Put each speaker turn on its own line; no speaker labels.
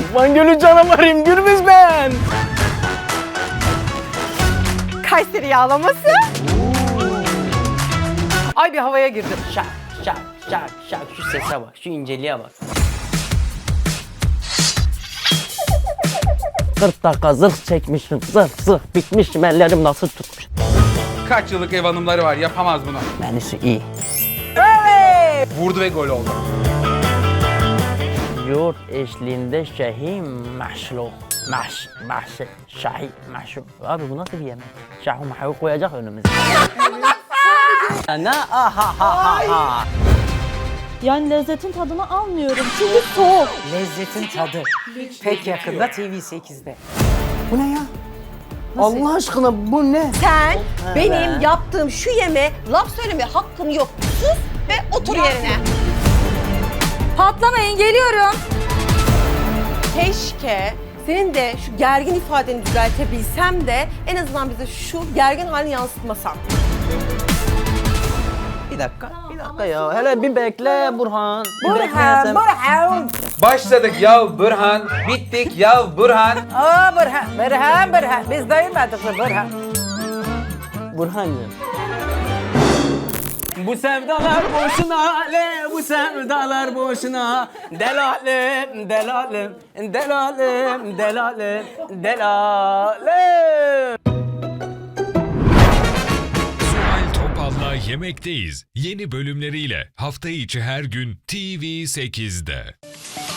Van Gölü canavarıyım Gürbüz ben.
Kayseri yağlaması. Ay bir havaya girdim.
Şak şak şak şak, şu sese bak, şu inceliğe bak. 40 dakika zırh çekmişim, zırh bitmişim, ellerim nasıl tutmuş.
Kaç yıllık ev hanımları var, yapamaz bunu.
Menüsü iyi.
Vurdu ve gol oldu.
Yoğurt eşliğinde şahi maşluk. Şahi maşluk. Abi bu nasıl bir yemek? Şahi maşluk koyacak önümüze. Ne ha.
Yani lezzetin tadını almıyorum çünkü soğuk.
Lezzetin tadı. Pek yakında TV8'de.
Bu ne ya? Allah aşkına bu ne?
Sen benim yaptığım şu yeme laf söyleme hakkın yok. Sus ve otur yerine.
Patlamayın, geliyorum.
Keşke senin de şu gergin ifadeni düzeltebilsem de en azından bize şu gergin halini yansıtmasan.
Bir dakika ya. Hele bir bekle Burhan.
Burhan.
Başladık ya Burhan, bittik ya Burhan.
Aa Burhan. Biz dayımadık mı Burhan?
Burhancığım. Bu sevdalar boşuna, bu sevdalar boşuna. Delalim.
Zuhal Topal'la Yemekteyiz yeni bölümleriyle hafta içi her gün TV8'de.